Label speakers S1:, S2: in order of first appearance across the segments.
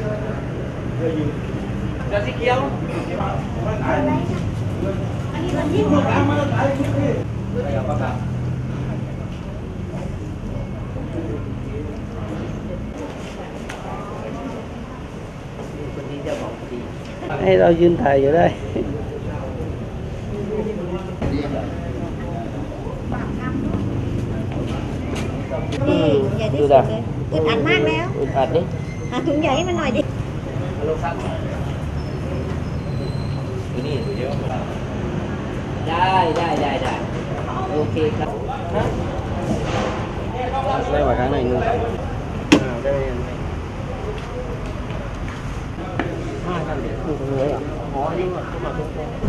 S1: Ra xí kéo.
S2: Đây đâu duyên thầy vậy đây.
S3: Tôi đã.อึดอัดมากแล้ว
S2: อึดอัดดิ
S3: หาถุงใหญ่ให้มันหน่อยดิ
S1: นี่เยอะได้โอเคครับ
S2: đây vào cái này luôn. Đây hai trăm điểm không có người à? Có nhưng mà không có.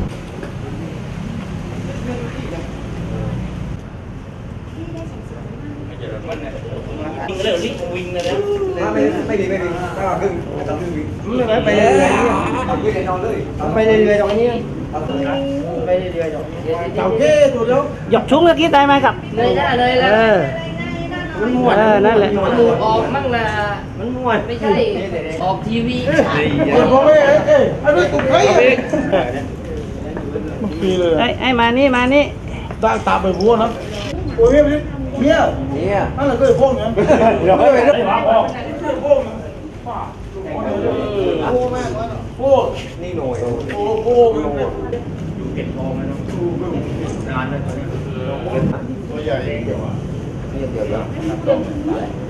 S1: Cái này lít win rồi đó.
S4: ไม่ดีถ้าเราครึ่งต้องครึ่งวิ
S2: ไปเรื่อย
S4: เอาคุยกันนอนเลย
S2: ๆไปเรื่อยๆตรงนี้ไปเรื่อยๆตรงนี้chào ghê tụi nó dọc xuống cái tay mai cặp
S1: Đây ra đây là
S2: มันม่วนนั่นแหละ
S1: มันมูออกมั่งละ
S2: มันม่วน
S1: ไม่ใช่ออกทีวี
S4: ไอ้ไม่ตุ้มไข่
S2: ไอ้มานี่
S4: ตาไปบัวนะโอ้ยเนี่ยนั่นแหละก็ไอ้พวกเนี่ยเดี๋ยวไปเรื่องพวกนี่หน่อยโอ้อยู่เก็บทองไหมน้องนานเลยตอนนี้ตัวใหญ่เดี๋ยว